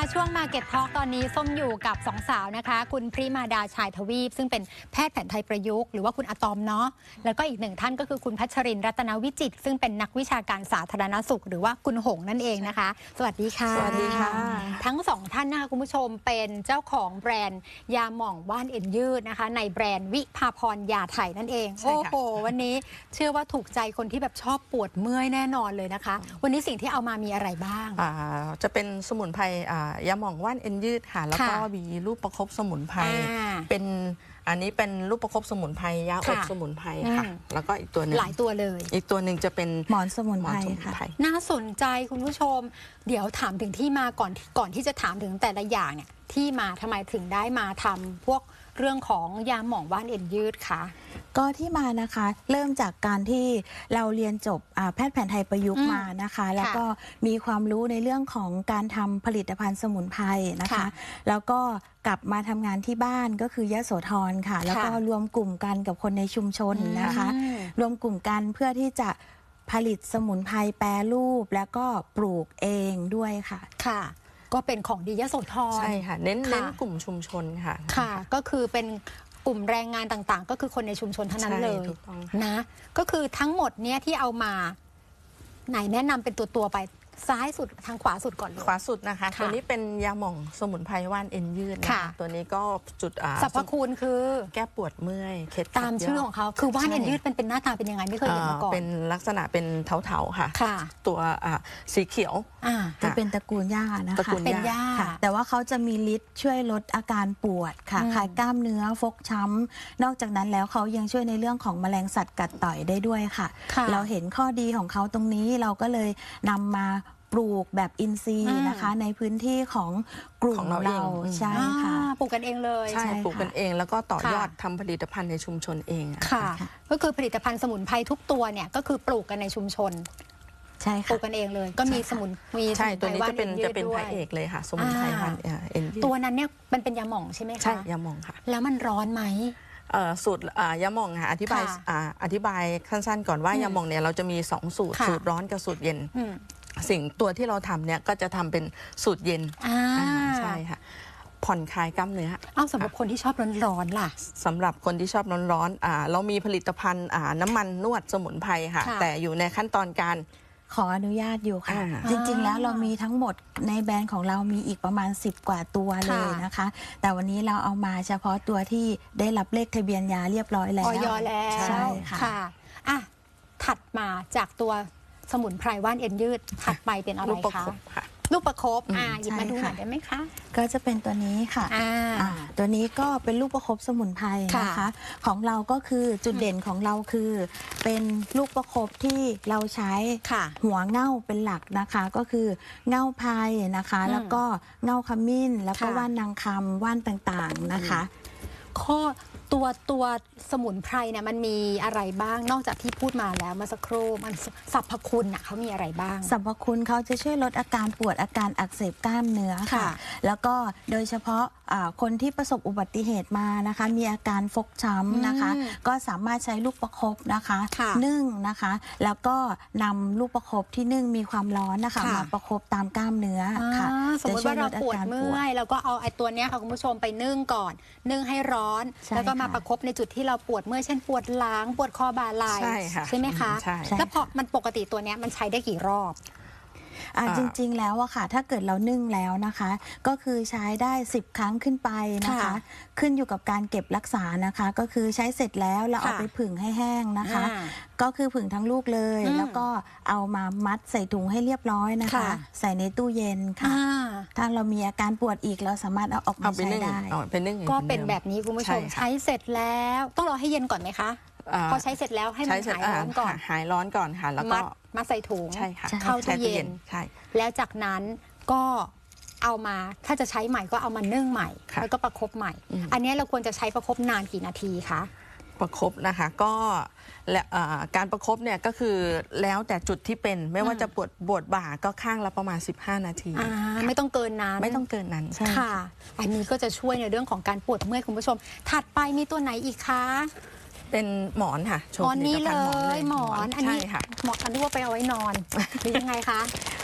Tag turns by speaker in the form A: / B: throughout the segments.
A: ช่วง Market Talk ตอนนี้ส้มอยู่กับสองสาวนะคะคุณพริมาดาชายทวีปซึ่งเป็นแพทย์แผนไทยประยุกต์หรือว่าคุณอะตอมเนาะแล้วก็อีกหนึ่งท่านก็คือคุณพัชรินทร์รัตนวิจิตรซึ่งเป็นนักวิชาการสาธารณสุขหรือว่าคุณหงนั่นเองนะคะสวัสดีค่ะ
B: สวัสดีค่ะ
A: ทั้งสองท่านนะคะคุณผู้ชมเป็นเจ้าของแบรนด์ยาหม่องว่านเอ็นยืดนะคะในแบรนด์วิภาพรยาไทยนั่นเองโอ้โหวันนี้เชื่อว่าถูกใจคนที่แบบชอบปวดเมื่อยแน่นอนเลยนะคะวันนี้สิ่งที่เอามามีอะไรบ้าง
B: จะเป็นสมุนไพรยาหม่องว่านเอ็นยืดค่ะแล้วก็มีลูกประคบสมุนไพรเป็นอันนี้เป็นลูกประคบสมุนไพรยาอบสมุนไพรค่ะแล้วก็อีกตัวนึง
A: หลายตัวเลย
B: อีกตัวหนึ่งจะเป็น
C: หมอนสมุนไพรค่ะ
A: น่าสนใจคุณผู้ชมเดี๋ยวถามถึงที่มาก่อนที่จะถามถึงแต่ละอย่างเนี่ยที่มาทำไมถึงได้มาทำพวกเรื่องของยาหม่องว่านเอ็นยืดคะ
C: ก็ที่มานะคะเริ่มจากการที่เราเรียนจบแพทย์แผนไทยประยุกต์มานะคะแล้วก็มีความรู้ในเรื่องของการทำผลิตภัณฑ์สมุนไพรนะคะแล้วก็กลับมาทำงานที่บ้านก็คือยโสธรค่ะแล้วก็รวมกลุ่มกันกับคนในชุมชนนะคะรวมกลุ่มกันเพื่อที่จะผลิตสมุนไพรแปรรูปแล้วก็ปลูกเองด้วยค่ะ
A: ค่ะก็เป็นของดียโสธร
B: ใช่ค่ะเน้นกลุ่มชุมชนค่ะ
A: ค่ะก็คือเป็นกลุ่มแรงงานต่างๆก็คือคนในชุมชนเท่านั้นเลยนะก็คือทั้งหมดเนี้ยที่เอามาไหนแนะนำเป็นตัวไปซ้ายสุดทางขวาสุดก่อนเลย
B: ขวาสุดนะคะตัวนี้เป็นยาหม่องสมุนไพรว่านเอ็นยืดนะคะตัวนี้ก็จุด
A: สรรพคุณคือ
B: แก้ปวดเมื่อยเคล็ด
A: ตามชื่อของเขาคือว่านเอ็นยืดเป็นหน้าตาเป็นยังไงไม่เคยเห็นมาก่อน
B: เป็นลักษณะเป็นเถาๆค่ะตัวสีเขียว
C: จะเป็นตระกูลหญ้านะคะ
A: เป็นหญ้า
C: แต่ว่าเขาจะมีฤทธิ์ช่วยลดอาการปวดค่ะคลายกล้ามเนื้อฟกช้ำนอกจากนั้นแล้วเขายังช่วยในเรื่องของแมลงสัตว์กัดต่อยได้ด้วยค่ะเราเห็นข้อดีของเขาตรงนี้เราก็เลยนำมาปลูกแบบอินทรีย์นะคะในพื้นที่ของกลุ่มเราใช่ค่ะ
A: ปลูกกันเองเลย
B: ใช่ปลูกกันเองแล้วก็ต่อยอดทำผลิตภัณฑ์ในชุมชนเอง
A: ค่ะก็คือผลิตภัณฑ์สมุนไพรทุกตัวเนี่ยก็คือปลูกกันในชุมชน
C: ใช่ค่ะ
A: ปลูกกันเองเลยก็มีสมุน
B: ใช่ตัวนี้จะเป็นพระเอกเลยค่ะสมุนไพรว่านเอ็น
A: ตัวนั้นเนี่ยมันเป็นยาหม่องใช่ไหมคะ
B: ใช่ยาหม่องค่ะ
A: แล้วมันร้อนไหม
B: สูตรยาหม่องค่ะอธิบายสั้นๆก่อนว่ายาหม่องเนี่ยเราจะมี2สูตรสูตรร้อนกับสูตรเย็นสิ่งตัวที่เราทำเนี่ยก็จะทำเป็นสูตรเย็นใช่ค่ะผ่อนคลายกล้ามเนื้อ
A: สำหรับคนที่ชอบร้อนๆล่ะ
B: สำหรับคนที่ชอบร้อนๆเรามีผลิตภัณฑ์น้ำมันนวดสมุนไพรค่ะแต่อยู่ในขั้นตอนการ
C: ขออนุญาตอยู่ค่ะจริงๆแล้วเรามีทั้งหมดในแบรนด์ของเรามีอีกประมาณ10กว่าตัวเลยนะคะแต่วันนี้เราเอามาเฉพาะตัวที่ได้รับเลขทะเบียนยาเรียบร้อยแล้ว
A: ใช่ค่ะถัดมาจากตัวสมุนไพรว่านเอ็นยืดถัดไปเป็นอะไรคะลูกประคบหยิบมาดูหน่อยได้ไหมคะ
C: ก็จะเป็นตัวนี้ค่ะตัวนี้ก็เป็นลูกประคบสมุนไพรนะคะของเราก็คือจุดเด่นของเราคือเป็นลูกประคบที่เราใช้หัวเง่าเป็นหลักนะคะก็คือเง่าไพรนะคะแล้วก็เง่าขมิ้นแล้วก็ว่านนางคำว่านต่างๆนะคะ
A: ข้อตัวสมุนไพรเนี่ยมันมีอะไรบ้างนอกจากที่พูดมาแล้วเมื่อสักครู่มันสรรพคุณเขามีอะไรบ้าง
C: สรรพคุณเขาจะช่วยลดอาการปวดอาการอักเสบกล้ามเนื้อค่ะแล้วก็โดยเฉพาะคนที่ประสบอุบัติเหตุมานะคะมีอาการฟกช้ำนะคะก็สามารถใช้ลูกประคบนะคะนึ่งนะคะแล้วก็นำลูกประคบที่นึ่งมีความร้อนนะคะมาประคบตามกล้ามเนื้อค่ะ
A: สมมติว่าเราปวดเมื่อยแล้วก็เอาไอ้ตัวเนี้ยค่ะคุณผู้ชมไปนึ่งก่อนนึ่งให้ร้อนแล้วก็มาประคบในจุดที่เราปวดเมื่อยเช่นปวดหลังปวดคอบ่าไหล่ใช่ไหมคะแล้วพอมันปกติตัวเนี้ยมันใช้ได้กี่รอบ
C: จริงๆแล้วอะค่ะถ้าเกิดเรานึ่งแล้วนะคะก็คือใช้ได้10 ครั้งขึ้นไปนะคะขึ้นอยู่กับการเก็บรักษานะคะก็คือใช้เสร็จแล้วเราเอาไปผึ่งให้แห้งนะคะก็คือผึ่งทั้งลูกเลยแล้วก็เอามามัดใส่ถุงให้เรียบร้อยนะคะใส่ในตู้เย็นค่ะถ้าเรามีอาการปวดอีกเราสามารถเอาออกมาใช้ได้
A: ก็เป็นแบบนี้คุณผู้ชมใช้เสร็จแล้วต้องรอให้เย็นก่อนไหมคะพอใช้เสร็จแล้วให้มันหายร้อนก่อน
B: หายร้อนก่อนค่ะแล้วก็
A: มาใส่ถุงเข้าตู้เย็นแล้วจากนั้นก็เอามาถ้าจะใช้ใหม่ก็เอามานึ่งใหม่แล้วก็ประคบใหม่อันนี้เราควรจะใช้ประคบนานกี่นาทีคะ
B: ประคบนะคะก็การประคบเนี่ยก็คือแล้วแต่จุดที่เป็นไม่ว่าจะปวดบ่าก็ข้างละประมาณ15 นาที
A: ไม่ต้องเกินนั้น
B: ไม่ต้องเกินนั้น
A: ค่ะอันนี้ก็จะช่วยในเรื่องของการปวดเมื่อยคุณผู้ชมถัดไปมีตัวไหนอีกคะ
B: เป็นหมอนค่ะ
A: หมอนนี้เลยหมอนอันนี้หมอนอันนี้ว่าไปเอาไว้นอนหรือยังไงคะ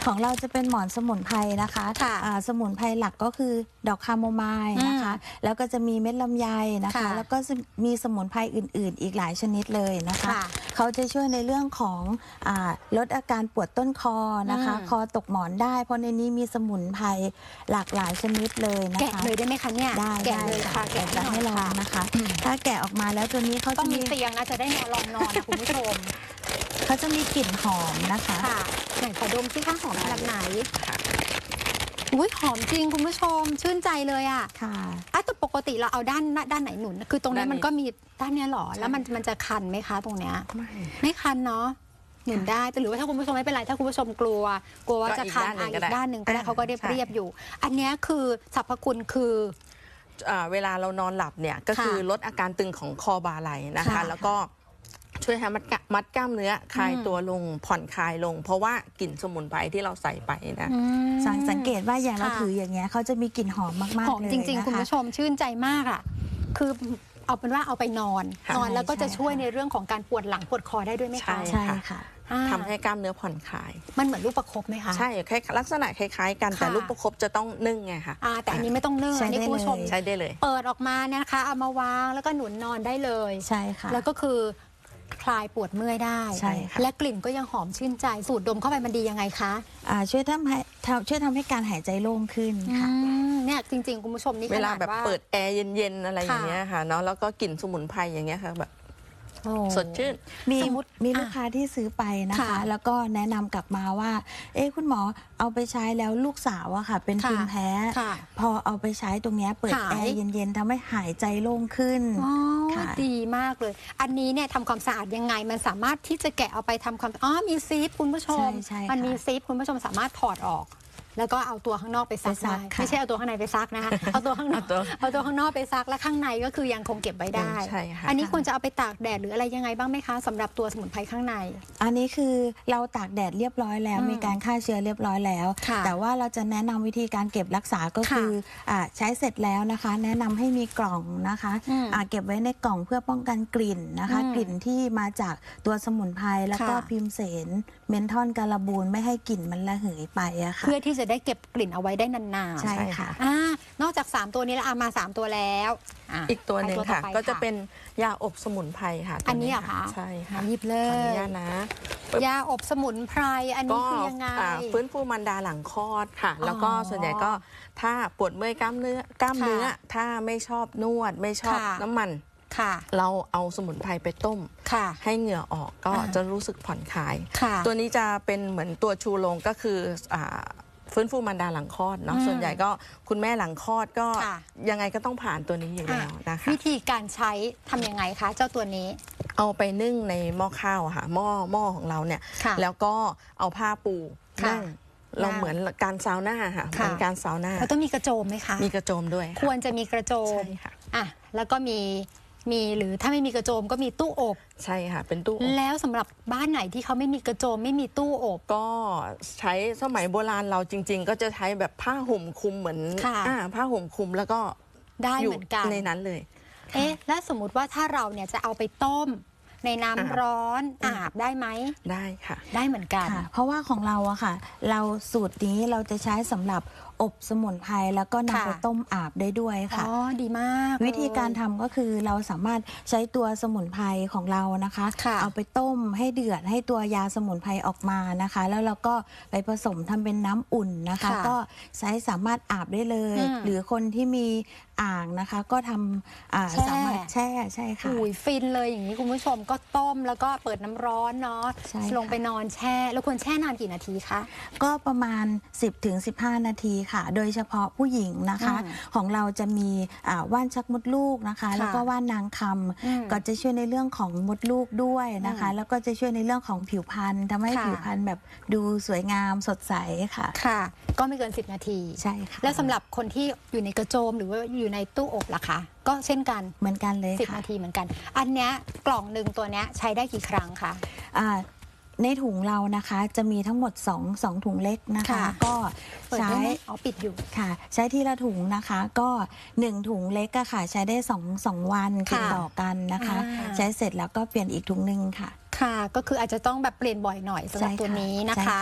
C: ของเราจะเป็นหมอนสมุนไพรนะคะ
A: ค่ะ
C: สมุนไพรหลักก็คือดอกคาโมไมล์นะคะ แล้วก็จะมีเม็ดลำไยนะคะ
A: ค่ะ
C: แล้วก็มีสมุนไพรอื่นๆ อีกหลายชนิดเลยนะคะ
A: ค่ะ
C: เขาจะช่วยในเรื่องของลดอาการปวดต้นคอนะคะ คอตกหมอนได้ เพราะในนี้มีสมุนไพรหลากหลายชนิดเลยนะคะ
A: แกะเลยได้ไหมคะเนี่ย
C: ได้
A: แกะเลยค่ะ
C: แกะ
A: แกะ
C: จะให้ลองนะคะ ถ้าแกะออกมาแล้วตัวนี้เขา
A: ต้อ
C: จะ
A: งมี
C: มี
A: เตียงนะจะได้นอนลองนอนนะคุณผู้ชม
C: เขาจะมีกลิ่นหอมนะคะ
A: ค่ะไหนขอดมซิคะหอมขนาดไหนอุ้ยหอมจริงคุณผู้ชมชื่นใจเลยอ่ะ
C: ค่ะ
A: แต่ปกติเราเอาด้านไหนหนุน คือตรงนี้
B: ด้านนี้
A: มันก็มีด้านเนี้ยหรอ
B: ใช่
A: แล้วมันจะคันไหมคะตรงเนี้ย
B: ไม่
A: ไม่คันเนาะหนุนได้แต่หรือว่าถ้าคุณผู้ชมไม่เป็นไรถ้าคุณผู้ชมกลัวว่าจะคันอีกด้านหนึ่งก็ได้เขาก็เรียบอยู่ อันเนี้ยคือสรรพคุณคือ
B: เวลาเรานอนหลับเนี่ยก็คือลดอาการตึงของคอบ่าไหล่นะคะ
A: ค่ะ
B: แล้วก็ช่วยให้มัดกล้ามเนื้อคลายตัวลงผ่อนคลายลง เพราะว่ากลิ่นสมุนไพรที่เราใส่ไปนะ
C: สังเกตว่าอย่างเรา
A: ค่ะ
C: ถืออย่างเงี้ยเขาจะมีกลิ่นหอมมากๆ
A: หอม
C: เลย
A: จริง
C: นะ
A: ๆ คุณ
C: คะ
A: ผู้ชมชื่นใจมากอ่ะคือเอาเป็นว่าเอาไปนอน
B: ค่ะ
A: นอนแล้วก็จะ
C: ใช่
A: ช่วย
C: ค่ะ
A: ในเรื่องของการปวดหลังปวดคอได้ด้วยไหมคะ
B: ใช่
C: ใช่ค่ะ
A: อ่า
B: ทำให้กล้ามเนื้อผ่อนคลาย
A: มันเหมือนลูกประคบไหมคะ
B: ใช่ลักษณะคล้ายๆกัน
A: ค่ะ
B: แต่ลูกประคบจะต้องนึ่งไงคะ
A: แต่อันนี้ไม่ต้องนึ่ง
C: ใช้
A: อันนี้
C: ได้
A: คุณผู้ชม
C: เลย
B: ใช้ได้เลย
A: เปิดออกมานะคะ เอามาวางแล้วก็หนุนนอนได้เลย
C: ใช่ค่ะ
A: แล้วก็คือคลายปวดเมื่อยได้
C: ใช่ค่ะ
A: และกลิ่นก็ยังหอมชื่นใจ สูดดมเข้าไปมันดียังไงคะ
C: ช่วยทำให้การหายใจโล่งขึ้นค่ะ
A: เนี่ยจริงๆ คุณผู้ชมนี่
B: เว
A: ข
B: ลา
A: นาด
B: แบบ
A: ว่า
B: เปิดแอร์เย็นๆอะไรอย่างเงี้ย
A: ค่ะ
B: ค่ะเนาะแล้วก็กลิ่นสมุนไพรอย่างเงี้ยค่ะแบบ
A: โอ้
B: สดชื่น
C: มี
A: สมมุติ
C: มีลูกค้าที่ซื้อไปนะคะ
A: ค่ะ
C: แล้วก็แนะนำกลับมาว่า คุณหมอเอาไปใช้แล้วลูกสาวอะค่ะ เป็น
A: ค่ะ
C: ภูมิแพ้
A: ค่ะ
C: พอเอาไปใช้ตรงเนี้ยเปิด
A: หาย
C: แอร์เย็นๆทำให้หายใจโล่งขึ้น
A: อ๋อ
C: ค่ะ
A: ดีมากเลย อันนี้เนี่ยทำความสะอาดยังไง มันสามารถที่จะแกะเอาไปทำความมีซิปคุณผู้ชม
C: ใช่ค่ะ
A: มันมีซิปคุณผู้ชมสามารถถอดออก แล้วก็เอาตัวข้างนอกไปซัก
C: ไปซั
A: ได้
C: กค่ะ
A: ไม่ใช่เอาตัวข้างในไปซักนะคะ เอาตัวข้างนอก เอาตัวข้างนอกไปซักแล้วข้างในก็คือยังคงเก็บไว้ได้
B: ใช่ค่ะ
A: อันนี้ควรจะเอาไปตากแดดหรืออะไรยังไงบ้างไหมคะสำหรับตัวสมุนไพรข้างใน
C: อันนี้คือเราตากแดดเรียบร้อยแล้ว มีการฆ่าเชื้อเรียบร้อยแล้ว
A: ค่ะ
C: แต่ว่าเราจะแนะนำวิธีการเก็บรักษาก็คือใช้เสร็จแล้วนะคะ แนะนำให้มีกล่องนะคะ เก็บไว้ในกล่องเพื่อป้องกันกลิ่นนะคะ กลิ่นที่มาจากตัวสมุนไพรแล้วก็
A: ค่ะ
C: พิมเสนเมนทอนการบูนไม่ให้กลิ่นมันระเหยไปอะค่ะ
A: เพื่อที่จะได้เก็บกลิ่นเอาไว้ได้นานๆ
C: ใช่ค่ะ
A: นอกจาก 3 ตัวนี้แล้วมา 3 ตัวแล้วะ
B: อีกตัวหนึ่ง
A: ไป
B: ค่ะ
A: ต่อไป
B: ก็จะเป็นยาอบสมุนไพรค่ะตัว
A: อันนี้เหรอคะ
B: ใช่ค่ะ
A: หยิบเล
B: ขออนุ
A: ย
B: ญาตนะ
A: ยาอบสมุนไพรอันนี้
B: ก็
A: คือยังไง
B: ฟื้นฟูมารดาหลังคลอดค่ะ แล้วก็ส่วนใหญ่ก็ถ้าปวดเมื่อยกล้ามเนื้อ ถ้าไม่ชอบนวดไม่ชอบ
A: ค่ะ
B: น้ำมัน
A: ค่ะ
B: เราเอาสมุนไพรไปต้ม
A: ค่ะ
B: ให้เหงื่อออกก็
A: อ่า
B: จะรู้สึกผ่อนคลาย
A: ค่ะ
B: ตัวนี้จะเป็นเหมือนตัวชูโรงก็คือฟื้นฟูมารดาหลังคลอดเนาะส่วนใหญ่ก็คุณแม่หลังคลอดก็
A: ค่ะ
B: ยังไงก็ต้องผ่านตัวนี้อยู่แล้วนะคะ
A: วิธีการใช้ทำยังไงคะ เจ้าตัวนี้
B: เอาไปนึ่งในหม้อข้าวอะค่ะหม้อของเราเนี่ย
A: ค่ะ
B: แล้วก็เอาผ้าปู
A: ค่ะ
B: นั่งเราเหมือนการซาวน่าค่ะเหมือนการซาวน่า
A: แล้วต้องมีกระโจมไหมคะ
B: มีกระโจมด้วย
A: ควรจะมีกระโจม
B: ใช่ค่ะ
A: แล้วก็มีหรือถ้าไม่มีกระโจมก็มีตู้อบ
B: ใช่ค่ะ เป็นตู้อบ
A: แล้วสำหรับบ้านไหนที่เขาไม่มีกระโจมไม่มีตู้อบ
B: ก็ใช้สมัยโบราณเราจริง ๆ ก็จะใช้แบบผ้าห่มคลุมเหมือน
A: ค่ะ
B: ผ้าห่มคลุมแล้วก็
A: ได้
B: อยู่
A: เหมือนกัน
B: ในนั้นเลย
A: แล้วสมมุติว่าถ้าเราเนี่ยจะเอาไปต้มในน้ำร้อนอาบได้ไหม
B: ได้ค่ะ
A: ได้เหมือนกัน
C: ค่ะเพราะว่าของเราอะค่ะ เราสูตรนี้เราจะใช้สำหรับอบสมุนไพรแล้วก็นำ
A: ค่ะ
C: ไปต้มอาบได้ด้วยค่ะ
A: อ๋อ ดีมาก
C: วิธีการทำก็คือเราสามารถใช้ตัวสมุนไพรของเรานะคะ
A: ค่ะ
C: เอาไปต้มให้เดือดให้ตัวยาสมุนไพรออกมานะคะ แล้วเราก็ไปผสมทำเป็นน้ำอุ่นนะคะ
A: ค่ะ
C: ก็ใช้สามารถอาบได้เลย หรือคนที่มีอ่างนะคะ ก็ทำ
A: แช่
C: สามารถแช่ใช่ค่ะ
A: อุ้ยฟินเลยอย่างนี้คุณผู้ชมก็ต้มแล้วก็เปิดน้ำร้อนเนาะ
C: ใช่ค่ะ
A: ลงไปนอนแช่ แล้วควรแช่นานกี่นาทีคะ
C: ก็ประมาณ 10-15 นาทีค่ะ โดยเฉพาะผู้หญิงนะคะ ของเราจะมีว่านชักมดลูกนะคะ แล้วก็ว่านนางคำก็จะช่วยในเรื่องของมดลูกด้วยนะคะ แล้วก็จะช่วยในเรื่องของผิวพรรณทำให้
A: ค่ะ
C: ผิวพรรณแบบดูสวยงามสดใสค่ะ
A: ค่ะ ก็ไม่เกิน 10 นาที
C: ใช่ค่ะ
A: แล้วสำหรับคนที่อยู่ในกระโจมหรือว่าอยู่ในตู้อบล่ะคะ ก็เช่นกัน
C: เหมือนกันเลย
A: 10
C: ค่ะ
A: นาทีเหมือนกัน อันเนี้ยกล่องหนึ่งตัวเนี้ยใช้ได้กี่ครั้งคะ
C: ในถุงเรานะคะจะมีทั้งหมด2ถุงเล็กนะคะ
A: ค่ะ
C: ก็
A: เปิด
C: ใช้
A: ได้ไหมอ๋อปิดอยู่
C: ค่ะใช้ทีละถุงนะคะก็1ถุงเล็กอะค่ะ ใช้ได้2วันติดต่อกันนะคะ ใช้เสร็จแล้วก็เปลี่ยนอีกถุงหนึ่งค่ะ
A: ค่ะ ก็คืออาจจะต้องแบบเปลี่ยนบ่อยหน่อยสำหรับ
C: ใช่ค่ะ
A: ตัวนี้นะ
C: ใช่
A: คะ
C: ค่ะ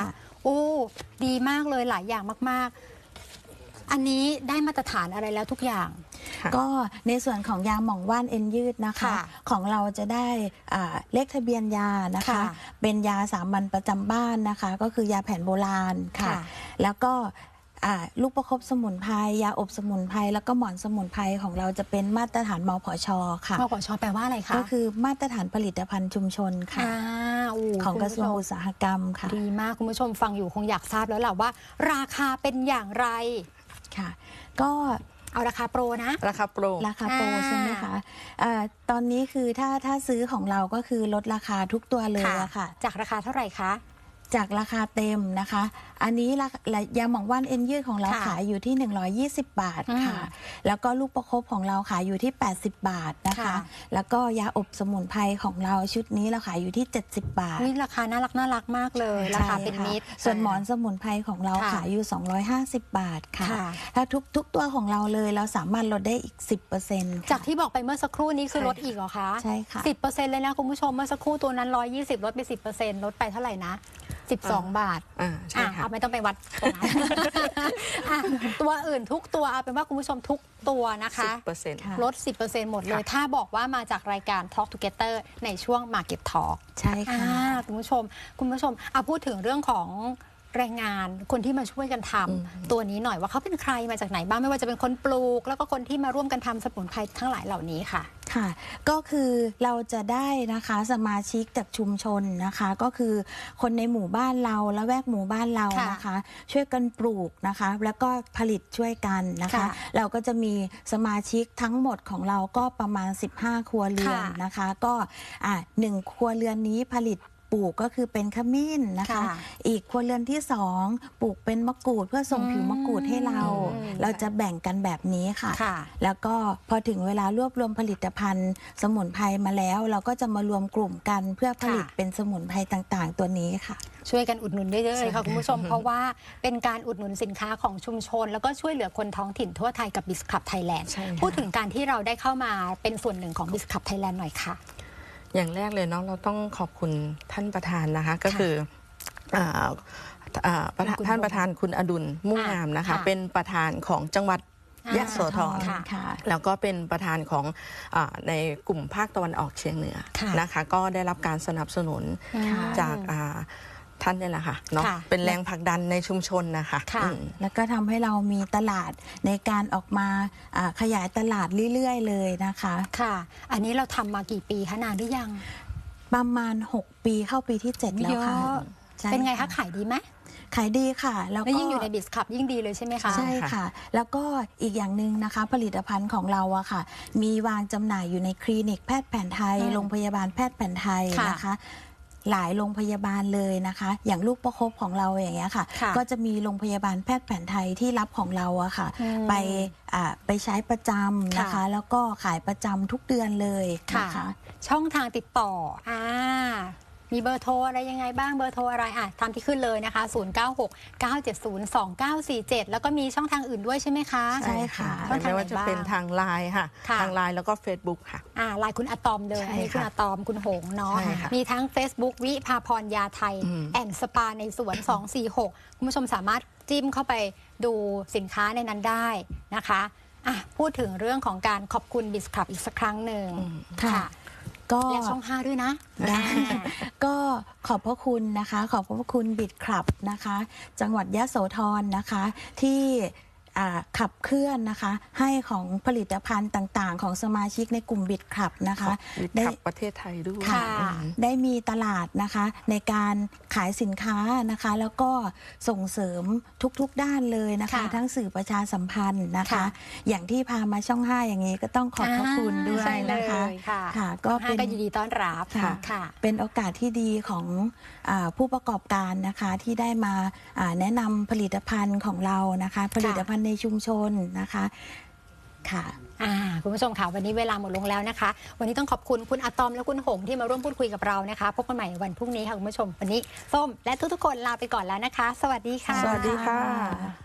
A: โอ้ดีมากเลยหลายอย่างมากๆ อันนี้ได้มาตรฐานอะไรแล้วทุกอย่าง
C: ก็ในส่วนของยาหม่องว่านเอ็นยืดนะคะ ของเราจะได้เลขทะเบียนยานะคะ เป็นยาสามัญประจำบ้านนะคะ ก็คือยาแผนโบราณค่ะ แล้วก็ลูกประคบสมุนไพรยาอบสมุนไพรแล้วก็หมอนสมุนไพรของเราจะเป็นมาตรฐานมผช.ค่ะ
A: มผช.แปลว่าอะไรคะ
C: ก็คือมาตรฐานผลิตภัณฑ์ชุมชนค่ะของกระทรวงอุตสาหกรรมค่ะ
A: ดีมากคุณผู้ชมฟังอยู่คงอยากทราบแล้วแหละว่า ราคาเป็นอย่างไร
C: ค่ะก็
A: เอาราคาโปรนะ
B: ราคาโปร
C: ใช่ไหมคะตอนนี้คือถ้าซื้อของเราก็คือลดราคาทุกตัวเลยค่ะ
A: จากราคาเท่าไหร่คะ
C: จากราคาเต็มนะคะอันนี้ยาหม่องว่านเอ็นยืดของเราขายอยู่ที่120 บาทค่ะแล้วก็ลูกประคบของเราขายอยู่ที่80 บาทนะคะแล้วก็ยาอบสมุนไพรของเราชุดนี้เราขายอยู่ที่70 บาท
A: นี่ราคาน่ารักมากเลยราคาเป็นมิตร
C: ส่วนหมอนสมุนไพรของเราขายอยู่250 บาทค่ะถ้าทุกตัวของเราเลยเราสามารถลดได้อีก 10%
A: จากที่บอกไปเมื่อสักครู่นี้คือลดอีกเหรอคะ
C: ใช่ค่ะ
A: 10%เลยนะคุณผู้ชมเมื่อสักครู่ตัวนั้น120ลดไป 10%ลดไปเท่าไหร่นะ12 บาท
B: ใช่ค่ะ
A: ไม่ต้องไปวัดตรงนั้นตัวอื่นทุกตัวเอาเป็นว่าคุณผู้ชมทุกตัวนะคะลด 10% หมดเลยถ้าบอกว่ามาจากรายการ Talk Together ในช่วง Market Talk
C: ใช่ค่ะ
A: คุณผู้ชมพูดถึงเรื่องของแรงงานคนที่มาช่วยกันทำตัวนี้หน่อยว่าเขาเป็นใครมาจากไหนบ้างไม่ว่าจะเป็นคนปลูกแล้วก็คนที่มาร่วมกันทำสมุนไพรทั้งหลายเหล่านี้ค่ะ
C: ค่ะก็คือเราจะได้นะคะสมาชิกจากชุมชนนะคะก็คือคนในหมู่บ้านเราและแวกหมู่บ้านเรานะคะช่วยกันปลูกนะคะแล้วก็ผลิตช่วยกันนะคะเราก็จะมีสมาชิกทั้งหมดของเราก็ประมาณ15 ครัวเรือนนะคะก็1 ครัวเรือนนี้ผลิตปลูกก็คือเป็นขมิ้นนะคะอีกครัวเรือนที่2ปลูกเป็นมะกรูดเพื่อส่งผิวมะกรูดให้เราจะแบ่งกันแบบนี้ค่ะแล้วก็พอถึงเวลารวบรวมผลิตภัณฑ์สมุนไพรมาแล้วเราก็จะมารวมกลุ่มกันเพื่อผลิตเป็นสมุนไพรต่างๆตัวนี้ค่ะ
A: ช่วยกันอุดหนุนได้เลยค่ะคุณผู้ชมเพราะว่าเป็นการอุดหนุนสินค้าของชุมชนแล้วก็ช่วยเหลือคนท้องถิ่นทั่วไทยกับบิสคับไทยแลนด์พูดถึงการที่เราได้เข้ามาเป็นส่วนหนึ่งของบิสคับไทยแลนด์หน่อยค่ะ
B: อย่างแรกเลยเนาะเราต้องขอบคุณท่านประธานนะคะก็คือท่านประธานคุณอดุลมุ่งงามนะคะเป็นประธานของจังหวัดยะโสธรแล้วก็เป็นประธานของในกลุ่มภาคตะวันออกเฉียงเหนือนะคะก็ได้รับการสนับสนุนจากท่านนี่แหละค่ะเนาะเป็นแรงผลักดันในชุมชนนะคะ
C: แล้วก็ทำให้เรามีตลาดในการออกมาขยายตลาดเรื่อยๆเลยนะคะ
A: ค่ะอันนี้เราทำมากี่ปีคะนานหรือยัง
C: ประมาณ6 ปีเข้าปีที่7แล้วค่ะ
A: เป็นไงคะขายดีไหม
C: ขายดีค่ะ
A: แล้วก็ยิ่งอยู่ในบิสคับยิ่งดีเลยใช่ไหมคะ
C: ใช่ค่ะแล้วก็อีกอย่างหนึ่งนะคะผลิตภัณฑ์ของเราอะค่ะมีวางจำหน่ายอยู่ในคลินิกแพทย์แผนไทยโรงพยาบาลแพทย์แผนไทยนะคะหลายโรงพยาบาลเลยนะคะอย่างลูกประคบของเราอย่างเงี้ยค่ะก็จะมีโรงพยาบาลแพทย์แผนไทยที่รับของเราอะค่ะไปใช้ประจำนะคะแล้วก็ขายประจำทุกเดือนเลยนะคะ
A: ช่องทางติดต่อมีเบอร์โทรอะไรยังไงบ้างเบอร์โทรอะไรตามที่ขึ้นเลยนะคะ0969702947แล้วก็มีช่องทางอื่นด้วยใช่ไหมคะ
C: ใช่ค่ะ
B: ไม่ว่าจะเป็นทางไลน์ค่ะทางไลน์แล้วก็ Facebook ค่ะ
A: ไลน์คุณอะตอมเลยอันนี้คุณอะตอมคุณหงเนาะมีทั้ง Facebook วิภาพรยาไทยแอนด์สปาในสวน246คุณผู้ชมสามารถจิ้มเข้าไปดูสินค้าในนั้นได้นะคะพูดถึงเรื่องของการขอบคุณบิสคับอีกสักครั้งหนึ่งค่ะ
C: ก็
A: และช่อง5ด้วยนะ
C: ก็ขอบพระคุณนะคะขอบพระคุณบิดคลับนะคะจังหวัดยะโสธรนะคะที่ขับเคลื่อนนะคะให้ของผลิตภัณฑ์ต่างๆของสมาชิกในกลุ่มบิดคลับนะคะ
B: ได้ประเทศไทยด้วย
C: ได้มีตลาดนะคะในการขายสินค้านะคะแล้วก็ส่งเสริมทุกๆด้านเลยนะคะทั้งสื่อประชาสัมพันธ์นะคะอย่างที่พามาช่อง5อย่างนี้ก็ต้องขอบพระคุณด้วยนะคะ
A: ค่ะก็เป็นยินดีต้อนรับ
C: ค่ะเป็นโอกาสที่ดีของผู้ประกอบการนะคะที่ได้มาแนะนำผลิตภัณฑ์ของเรานะคะผลิตภัณฑ์ในชุมชนนะคะค่ะ
A: คุณผู้ชมค่ะวันนี้เวลาหมดลงแล้วนะคะวันนี้ต้องขอบคุณคุณอะตอมและคุณหงที่มาร่วมพูดคุยกับเรานะคะพบกันใหม่วันพรุ่งนี้ค่ะคุณผู้ชมวันนี้ส้มและทุกๆคนลาไปก่อนแล้วนะคะสวัสดีค่ะ
B: สวัสดีค่ะ